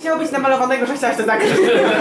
chciało być namalowanego, że chciałaś to zakryć.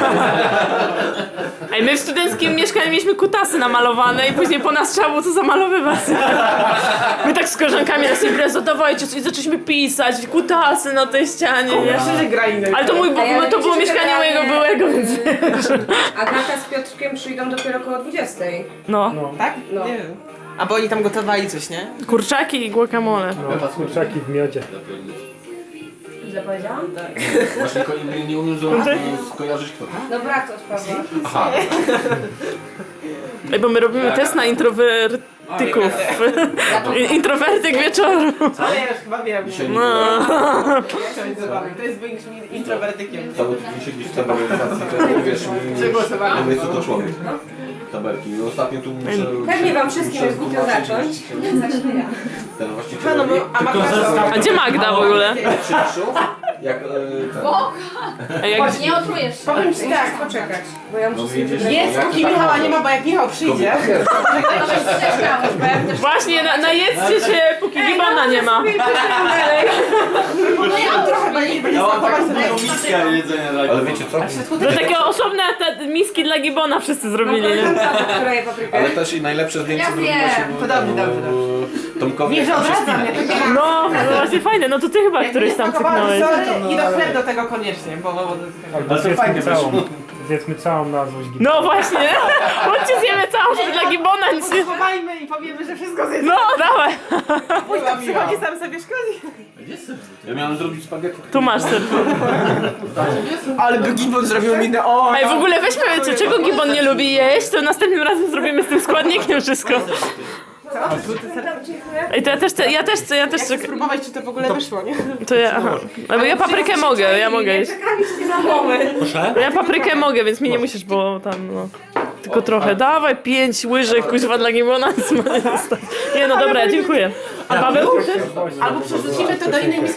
Ej, my w studenckim mieszkaniu mieliśmy kutasy namalowane i później po nas trzeba było to zamalowywać. My tak z koleżankami na imprezę, dawajcie, i zaczęliśmy pisać, kutasy na tej ścianie, nie? Myślę, że gra innej. Ale to to było mieszkanie mojego byłego, więc wiesz. Agata z Piotrkiem przyjdą dopiero około 20. No, Tak? No. Nie wiem. A bo oni tam gotowali coś, nie? kurczaki i guacamole. No, kurczaki w miodzie. Źle powiedziałam? Tak. Właśnie nie umiem skojarzyć kto. No brat od Pawła. Aha. Ej, bo my robimy test na introwertyków. Introwertyk wieczoru. Ale ja już chyba wiem. Dzisiaj No. To jest większym introwertykiem. Cały tydzień gdzieś w tabelizacji, to wiesz, Przegłosowałam. mówię co to człowiek. Tabelki. I ostatnio tu muszę... Pewnie wam wszystkim jest głupio zacząć. Zacznę ja. Ten właściciel... No, a Magda... A gdzie Magda w ogóle? Przyszł, jak ten... Ej, jak... Nie otrujesz się. Powiem ci tak, Poczekać, bo ja muszę No sobie widzisz, wybrać. jest, póki Michała nie ma, bo jak Michał przyjdzie... Właśnie, najedzcie się, póki gibana nie ma. Trochę będzie smakować sobie. Ale wiecie co? To takie osobne te miski dla gibona wszyscy zrobili, nie? Która je paprykę? Ale też i najlepsze zdjęcie Ja zrobiło wiem. się Dobrze. Tomkowi. Nie, że odradza mnie. No, no właśnie fajne, no to ty chyba któryś tam cyknąłeś. I do chleb do tego koniecznie, bo... Albo zjedzmy całą na złość gibana. No właśnie, chodźcie zjemy całą, żeby dla gibona nic nie... Schowajmy i powiemy, że wszystko zjedzą. No, dawaj. Pójdź tam przychodzi, sam sobie szkodzi. Ja miałem zrobić spaghetti. Tu masz ten. Ale by Gibon zrobił minę, o! Ej, w ogóle weźmy, czego gibon nie lubi jeść, to następnym razem zrobimy z tym składnikiem wszystko. Ej, to ja też Chcę spróbować, czy to w ogóle wyszło, nie? to ja, aha. No bo ja paprykę mogę, ja mogę jeść. Ja paprykę mogę, więc mi nie musisz, bo tam, no. Tylko trochę. Dawaj 5 łyżek, kuźwa dla gibona. Nie no dobra, dziękuję. A Paweł? Albo przerzucimy to do innej